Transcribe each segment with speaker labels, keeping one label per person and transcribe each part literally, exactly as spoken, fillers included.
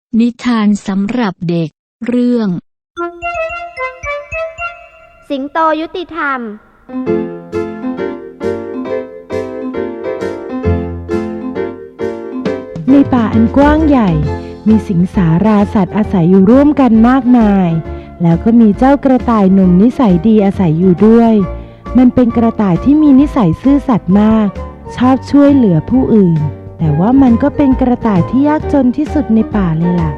Speaker 1: นิทานสำหรับเด็กเรื่อง
Speaker 2: สิงโตยุติธรรม
Speaker 3: ในป่าอันกว้างใหญ่มีสิงสาราสัตว์อาศัยอยู่ร่วมกันมากมายแล้วก็มีเจ้ากระต่ายหนุ่มนิสัยดีอาศัยอยู่ด้วยมันเป็นกระต่ายที่มีนิสัยซื่อสัตย์มากชอบช่วยเหลือผู้อื่นแต่ว่ามันก็เป็นกระต่ายที่ยากจนที่สุดในป่าเลยล่ะ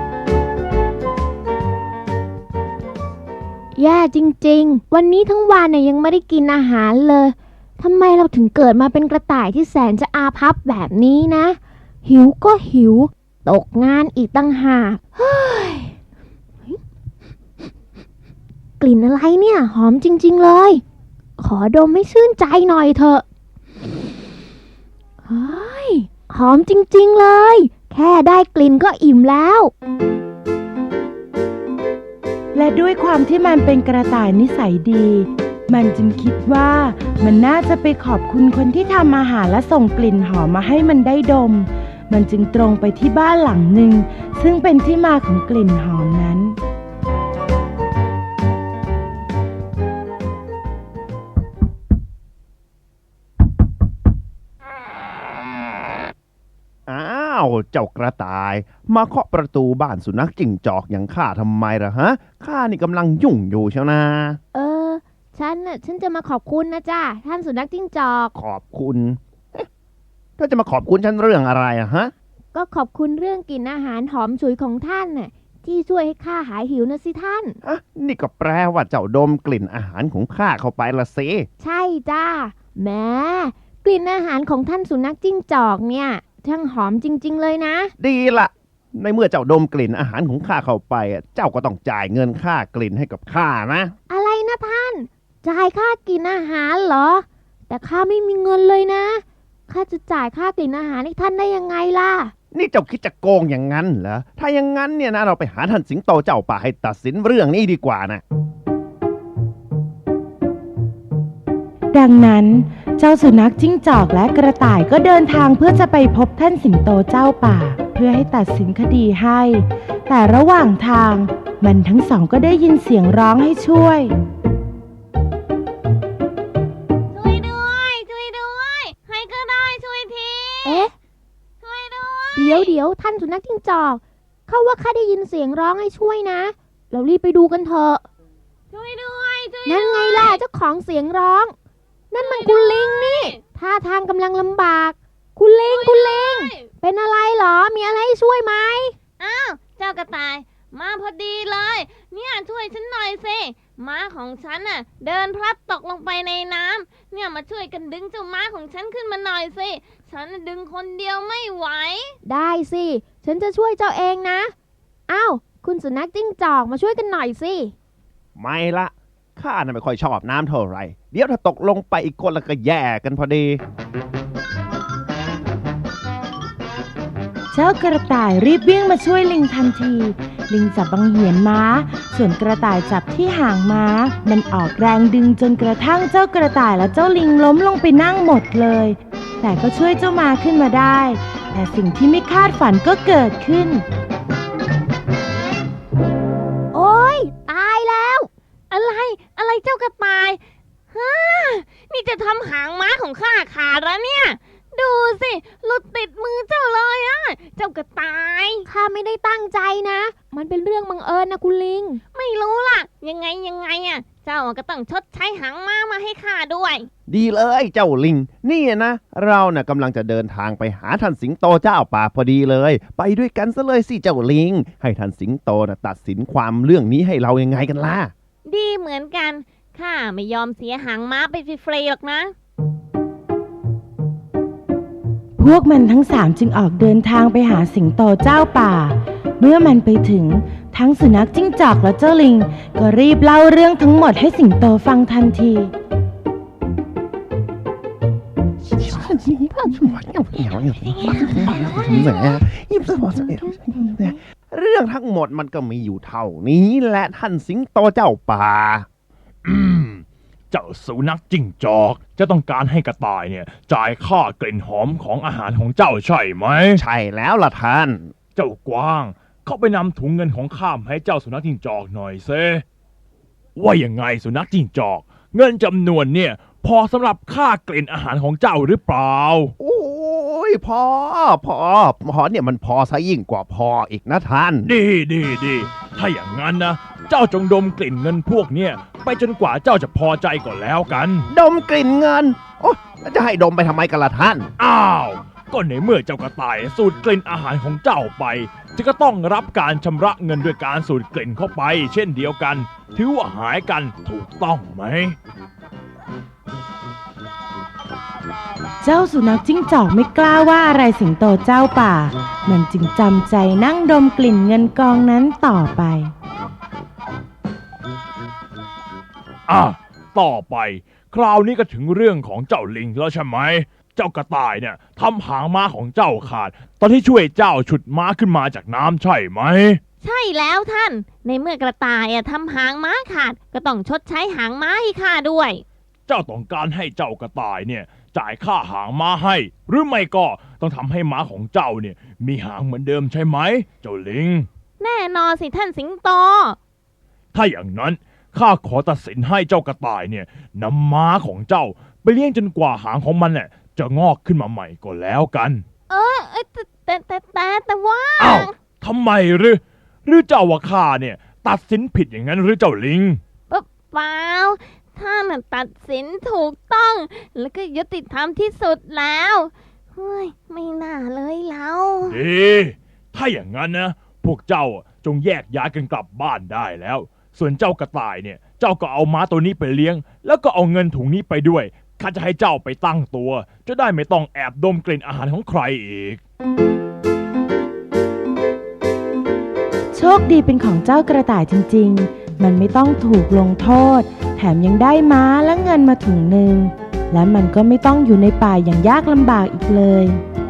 Speaker 2: แย่จริงๆวันนี้ทั้งวันเนี่ยยังไม่ได้กินอาหารเลยทำไมเราถึงเกิดมาเป็นกระต่ายที่แสนจะอาภัพแบบนี้นะหิวก็หิวตกงานอีกตั้งหากเฮ้ยกลิ่นอะไรเนี่ยหอมจริงๆเลยขอดมให้ชื่นใจหน่อยเถอะเฮ้ยหอมจริงๆเลยแค่ได้กลิ่นก็อิ่มแล้ว
Speaker 3: และด้วยความที่มันเป็นกระต่ายนิสัยดีมันจึงคิดว่ามันน่าจะไปขอบคุณคนที่ทำอาหารและส่งกลิ่นหอมมาให้มันได้ดมมันจึงตรงไปที่บ้านหลังหนึ่งซึ่งเป็นที่มาของกลิ่นหอมนั้น
Speaker 4: อ้าวเจ้ากระต่ายมาเคาะประตูบ้านสุนัขจิ้งจอกอย่างข้าทำไมล่ะฮะข้านี่กำลังยุ่งอยู่เชียวนะ
Speaker 2: เออฉันน่ะฉันจะมาขอบคุณนะจ้าท่านสุนัขจิ้งจอก
Speaker 4: ขอบคุณเอ๊ะเธอจะมาขอบคุณฉันเรื่องอะไรอะฮะ
Speaker 2: ก็ขอบคุณเรื่องกลิ่นอาหารหอมฉุยของท่านน่ะที่ช่วยให้ข้าหายหิวนะสิท่าน
Speaker 4: อ่ะนี่ก็แปลว่าเจ้าดมกลิ่นอาหารของข้าเข้าไปละสิ
Speaker 2: ใช่จ้าแม้กลิ่นอาหารของท่านสุนัขจิ้งจอกเนี่ยช่างหอมจริงๆเลยนะ
Speaker 4: ดีละในเมื่อเจ้าดมกลิ่นอาหารของข้าเข้าไปเจ้าก็ต้องจ่ายเงินค่ากลิ่นให้กับข้านะ
Speaker 2: อะไรนะท่านจ่ายค่ากลิ่นอาหารเหรอแต่ข้าไม่มีเงินเลยนะข้าจะจ่ายค่ากลิ่นอาหารให้ท่านได้ยังไงล่ะ
Speaker 4: นี่เจ้าคิดจะโกงอย่างนั้นเหรอถ้าอย่างนั้นเนี่ยนะเราไปหาท่านสิงโตเจ้าป่าให้ตัดสินเรื่องนี้ดีกว่านะ
Speaker 3: ดังนั้นเจ้าสุนัขจิ้งจอกและกระต่ายก็เดินทางเพื่อจะไปพบท่านสิงโตเจ้าป่าเพื่อให้ตัดสินคดีให้แต่ระหว่างทางมันทั้งสองก็ได้ยินเสียงร้องให้ช่วย
Speaker 5: ช่วยด้วยช่วยด้วยใครก็ได้ช่วยที
Speaker 2: เอ๊ะ
Speaker 5: ช่วยด้วย
Speaker 2: เดี๋ยวเดี๋ยวท่านสุนัขจิ้งจอกเขาว่าข้าได้ยินเสียงร้องให้ช่วยนะเรารีบไปดูกันเถอะ
Speaker 5: ช่วยด้วยช่วย
Speaker 2: นั่นไงล่ะเจ้าของเสียงร้องนั่นมันคุณลิงนี่ท่าทางกำลังลำบากคุณลิงคุณลิงเป็นอะไรเหรอมีอะไรให้ช่วยไหม
Speaker 5: อ้าวเจ้ากระต่ายมาพอดีเลยเนี่ยช่วยฉันหน่อยสิม้าของฉันน่ะเดินพลัดตกลงไปในน้ำเนี่ยมาช่วยกันดึงเจ้าม้าของฉันขึ้นมาหน่อยสิฉันดึงคนเดียวไม่ไหว
Speaker 2: ได้สิฉันจะช่วยเจ้าเองนะอ้าวคุณสุนัขจิ้งจอกมาช่วยกันหน่อยสิ
Speaker 4: ไม่ละข้าน่ะไม่ค่อยชอบน้ำเท่าไหร่เดี๋ยวถ้าตกลงไปอีกคนละก็แย่กันพอดี
Speaker 3: เจ้ากระต่ายรีบวิ่งมาช่วยลิงทันทีลิงจับบังเหียนม้าส่วนกระต่ายจับที่หางม้ามันออกแรงดึงจนกระทั่งเจ้ากระต่ายและเจ้าลิงล้มลงไปนั่งหมดเลยแต่ก็ช่วยเจ้าม้าขึ้นมาได้แต่สิ่งที่ไม่คาดฝันก็เกิดขึ้น
Speaker 2: โอ๊ยตายแล้ว
Speaker 5: อะไรอะไรเจ้ากระต่ายฮะนี่จะทำหางม้าของข้าขาดแล้วเนี่ยดูสิหลุดติดมือเจ้าเลยอ่ะเจ้ากระต่าย
Speaker 2: ข้าไม่ได้ตั้งใจนะมันเป็นเรื่องบังเอิญนะคุณลิง
Speaker 5: ไม่รู้ล่ะยังไงยังไงอ่ะเจ้าก็ต้องชดใช้หางม้ามาให้ข้าด้วย
Speaker 4: ดีเลยเจ้าลิงนี่นะเราน่ะกำลังจะเดินทางไปหาท่านสิงโตเจ้าป่าพอดีเลยไปด้วยกันซะเลยสิเจ้าลิงให้ท่านสิงโตน่ะตัดสินความเรื่องนี้ให้เรายังไงกันล่ะ
Speaker 5: ดีเหมือนกันข้าไม่ยอมเสียหางม้าไปฟรีๆหรอกนะ
Speaker 3: พวกมันทั้งสามจึงออกเดินทางไปหาสิงโตเจ้าป่าเมื่อมันไปถึงทั้งสุนัขจิ้งจอกและเจ้าลิงก็รีบเล่าเรื่องทั้งหมดให้สิงโตฟังทันที
Speaker 4: เรื่องทั้งหมดมันก็มีอยู่เท่านี้แหละท่านสิงโตเจ้าป่า
Speaker 6: เจ้าสุนัขจิ้งจอกจะต้องการให้กระต่ายเนี่ยจ่ายค่ากลิ่นหอมของอาหารของเจ้าใช่ไหม
Speaker 4: ใช่แล้วล่ะท่าน
Speaker 6: เจ้ากวางขเข้าไปนำถุงเงินของข้ามให้เจ้าสุนัขจิ้งจอกหน่อยเซว่ายังไงสุนัขจิ้งจอกเงินจำนวนเนี่ยพอสำหรับค่ากลิ่นอาหารของเจ้าหรือเปล่า
Speaker 4: โอ้ยพอพอพอเนี่ยมันพอซะยิ่งกว่าพออีกนะท่าน
Speaker 6: ดีดีดีถ้าอย่างนั้นนะเจ้าจงดมกลิ่นเงินพวกเนี่ยไปจนกว่าเจ้าจะพอใจก่อนแล้วกัน
Speaker 4: ดมกลิ่นเงินโอ้จะให้ดมไปทำไมกันล่ะท่าน
Speaker 6: อ้าวก็ในเมื่อเจ้ากระต่ายสูดกลิ่นอาหารของเจ้าไปจะก็ต้องรับการชำระเงินด้วยการสูดกลิ่นเข้าไปเช่นเดียวกันถือว่าหายกันถูกต้องไหม
Speaker 3: เจ้าสุนัขจิ้งจอกไม่กล้าว่าอะไรสิงโตเจ้าป่ามันจึงจำใจนั่งดมกลิ่นเงินกองนั้นต่อไป
Speaker 6: อ่ะต่อไปคราวนี้ก็ถึงเรื่องของเจ้าลิงแล้วใช่ไหมเจ้ากระต่ายเนี่ยทำหางม้าของเจ้าขาดตอนที่ช่วยเจ้าฉุดม้าขึ้นมาจากน้ำใช่ไหม
Speaker 5: ใช่แล้วท่านในเมื่อกระต่ายทำหางม้าขาดก็ต้องชดใช้หางม้าให้ข้าด้วย
Speaker 6: เจ้าต้องการให้เจ้ากระต่ายเนี่ยจ่ายค่าหางม้าให้หรือไม่ก็ต้องทำให้ม้าของเจ้าเนี่ยมีหางเหมือนเดิมใช่ไหมเจ้าลิง
Speaker 5: แน่นอนสิท่านสิงโต
Speaker 6: ถ้าอย่างนั้นข้าขอตัดสินให้เจ้ากระต่ายเนี่ยนำม้าของเจ้าไปเลี้ยงจนกว่าหางของมันเนี่ยจะงอกขึ้นมาใหม่ก็แล้วกัน
Speaker 5: เออแต่แต่แต่แต่แต่ว่า
Speaker 6: อ้าวทำไมหรือหรือเจ้าว่าข้าเนี่ยตัดสินผิดอย่างนั้นหรือเจ้าลิง
Speaker 5: เปล่าท่านตัดสินถูกต้องแล้วก็ยุติธรรมที่สุดแล้วเฮ้ยไม่น่าเลยเรา
Speaker 6: ดีถ้าอย่างนั้นนะพวกเจ้าจงแยกย้ายกันกลับบ้านได้แล้วส่วนเจ้ากระต่ายเนี่ยเจ้าก็เอาม้าตัวนี้ไปเลี้ยงแล้วก็เอาเงินถุงนี้ไปด้วยข้าจะให้เจ้าไปตั้งตัวจะได้ไม่ต้องแอบดมกลิ่นอาหารของใครอีก
Speaker 3: โชคดีเป็นของเจ้ากระต่ายจริงๆมันไม่ต้องถูกลงโทษแถมยังได้ม้าและเงินมาถุงหนึ่งและมันก็ไม่ต้องอยู่ในป่าอย่างยากลำบากอีกเลย